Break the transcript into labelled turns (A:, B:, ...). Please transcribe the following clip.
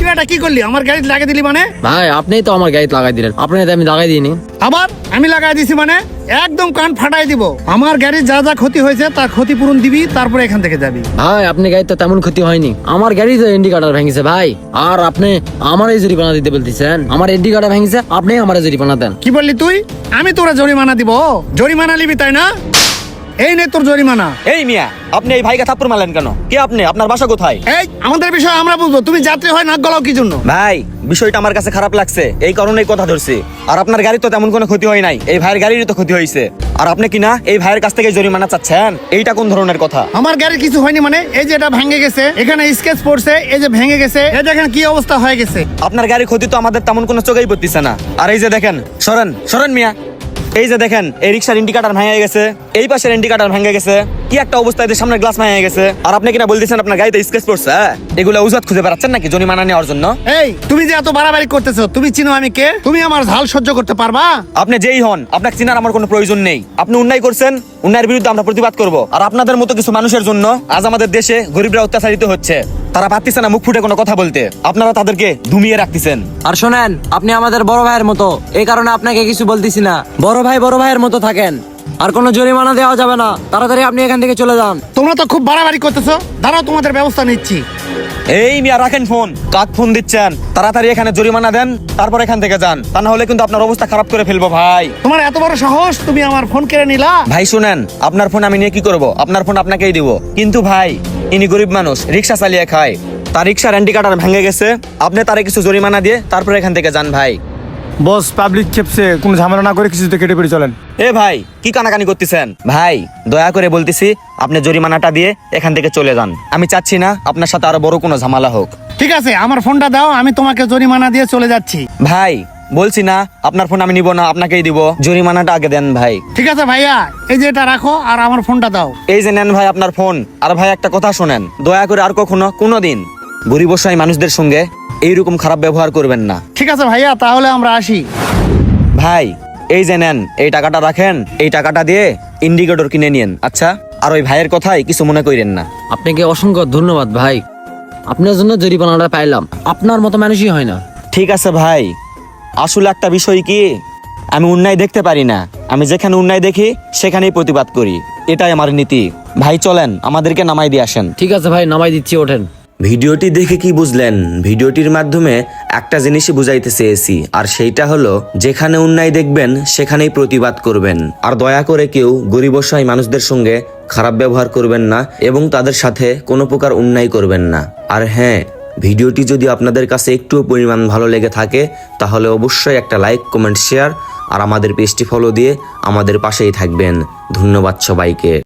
A: তুই এটা কি করলি? আমার গাড়ি লাগিয়ে দিলি মানে?
B: ভাই আপনিই তো আমার গাড়ি লাগাই দিলেন, আপনি তো আমি লাগাই দিইনি।
A: আবার আমি লাগাই দিছি মানে? একদম কান ফাটাই দিব। আমার গাড়ির যা যা ক্ষতি হয়েছে তার ক্ষতিপূরণ দিবি, তারপরে এখান থেকে যাবি।
B: ভাই আপনি গাড়ি তো তেমন ক্ষতি হয়নি, আমার গাড়ি তো ইন্ডিকেটর ভেঙেছে ভাই। আর আপনি আমার এই জরিমানা দিতে বলতেছেন? আমার ইন্ডিকেটর ভেঙেছে, আপনি আমার জরিমানা দেন।
A: কি বললি তুই? আমি তোরা জরিমানা দিব? জরিমানা নিবি তাই না? এই নে তোর জরিমানা।
C: এই মিয়া, আপনি এই ভাইকে থাপ্পড় মারলেন কেন? কে আপনি? আপনার বাসা কোথায়?
A: এই আমাদের বিষয় আমরা বুঝবো, তুমি যাত্রী হয় নাক গলাও কি জন্য?
C: ভাই বিষয়টা আমার কাছে খারাপ লাগছে, এই কারণেই কথা ধরছি। আর আপনার গাড়ি তো তেমন কোনো ক্ষতি হয় নাই, এই ভাইয়ের গাড়িরই তো ক্ষতি হয়েছে। আর আপনি কি না এই ভাইয়ের কাছ থেকে জরিমানা চাচ্ছেন? এইটা কোন ধরনের কথা?
A: আমার গাড়ি কিছু হয়নি মানে? এই যে এটা ভেঙে গেছে, এখানে স্কেচ পড়ছে, এই যে ভেঙে গেছে, এই দেখেন কি অবস্থা হয়ে গেছে।
C: আপনার গাড়ির ক্ষতি তো আমাদের তেমন কোনো চোখেই পড়তেছে না। আর এই যে দেখেন, সরেন সরেন মিয়া, এই যে দেখেন এই রিক্সার ইন্ডিকেটর ভেঙে গেছে, এই পাশের ইন্ডিকেটর ভেঙে গেছে, কি একটা অবস্থায় সামনের গ্লাস ভেঙে গেছে। আর আপনি কিনা বলতেছেন আপনার গাড়িতে স্কেচ পড়ছে? এগুলো উজাত খুঁজে বেড়াচ্ছেন নাকি জরিমানা নেওয়ার জন্য?
A: এই তুমি যে এত বাড়াবাড়ি করতেছো, তুমি চিনো আমি কে? তুমি আমার ঝাল সহ্য করতে পারবা?
C: আপনি যেই হন, আপনাকে চিনার আমার কোনো প্রয়োজন নেই। আপনি অন্যায় করছেন, অন্যায়ের বিরুদ্ধে আমরা প্রতিবাদ করব। আর আপনাদের মতো কিছু মানুষের জন্য আজ আমাদের দেশে গরিবরা অত্যাচারিত হচ্ছে, তারা পারতেছে না মুখ ফুটে কোনো কথা বলতে, আপনারা তাদেরকে ধুমিয়ে রাখতেছেন।
B: আর শোনেন, আপনি আমাদের বড় ভাইয়ের মতো, এই কারণে আপনাকে কিছু বলতেছি না। বড় ভাইয়ের মতো থাকেন, আর কোনো জরিমানা দেওয়া যাবে না। তাড়াতাড়ি আপনি এখান থেকে চলে যান।
A: তোমরা তো খুব বাড়াবাড়ি করতেছো, দাঁড়াও তোমাদের ব্যবস্থা নিচ্ছি।
C: এই মিয়া রাখেন ফোন, কাক ফোন দিচ্ছেন? তাড়াতাড়ি এখানে জরিমানা দেন, তারপর এখান থেকে যান, তা না হলে কিন্তু আপনার অবস্থা খারাপ করে ফেলবো ভাই।
A: তোমার এত বড় সাহস, তুমি আমার ফোন কেড়ে নিলা?
C: ভাই শুনেন, আপনার ফোন আমি নিয়ে কি করব? আপনার ফোন আপনাকেই দিব। কিন্তু ভাই ইনি গরিব মানুষ, রিক্সা চালিয়ে খায়, তার রিক্সার ইন্ডিকেটর ভেঙে গেছে, আপনি তারে কিছু জরিমানা দিয়ে তারপর এখান থেকে যান ভাই।
D: বস পাবলিক খেপছে, কোনো ঝামেলা না করে কিছুতে কেটে পড়ে চলেন।
C: এ ভাই কি কানাকানি করতেছেন? ভাই দয়া করে বলতেছি, আপনি জরিমানাটা দিয়ে এখান থেকে চলে যান। আমি চাচ্ছি না আপনার সাথে আরো বড় কোনো ঝামেলা হোক।
A: ঠিক আছে, আমার ফোনটা দাও, আমি তোমাকে জরিমানা দিয়ে চলে যাচ্ছি।
C: ভাই বলছি না, আপনার ফোন আমি নিব না, আপনাকেই দিব। জরিমানাটা আগে দেন ভাই।
A: ঠিক আছে ভাইয়া, এই যে এটা রাখো আর আমার ফোনটা দাও।
C: এই যে নেন ভাই আপনার ফোন। আর ভাই একটা কথা শোনেন, দয়া করে আর কখনো কোনোদিন গরিব অসহায় মানুষদের সঙ্গে এইরকম খারাপ ব্যবহার করবেন না।
A: ঠিক আছে ভাইয়া, তাহলে আমরা আসি।
C: ভাই এই যে নেন, এই টাকাটা রাখেন, এই টাকাটা দিয়ে ইন্ডিকেটর কিনে নিন। আচ্ছা, আর ওই ভাইয়ের কথাই কিছু মনে করেন না।
B: আপনাকে অসংখ্য ধন্যবাদ ভাই, আপনার জন্য জরিমানাটা পাইলাম। আপনার মতো মানুষই হয় না।
C: ঠিক আছে ভাই, আসলে একটা বিষয় কি, আমি অন্যায় দেখতে পারি না, আমি যেখানে অন্যায় দেখি সেখানেই প্রতিবাদ করি, এটাই আমার নীতি। ভাই চলেন, আমাদেরকে নামাই দিয়ে আসেন।
B: ঠিক আছে ভাই, নামাই দিচ্ছি, ওঠেন।
E: ভিডিওটি দেখে কি বুঝলেন? ভিডিওটির মাধ্যমে একটা জিনিসই বুঝাইতে চেয়েছি, আর সেইটা হলো যেখানে অন্যায় দেখবেন সেখানেই প্রতিবাদ করবেন। আর দয়া করে কেউ গরিব অসহায় মানুষদের সঙ্গে খারাপ ব্যবহার করবেন না এবং তাদের সাথে কোনো প্রকার অন্যায় করবেন না। আর হ্যাঁ, ভিডিওটি যদি আপনাদের কাছে একটুও পরিমাণ ভালো লেগে থাকে তাহলে অবশ্যই একটা লাইক, কমেন্ট, শেয়ার আর আমাদের পেজটি ফলো দিয়ে আমাদের পাশেই থাকবেন। ধন্যবাদ সবাইকে।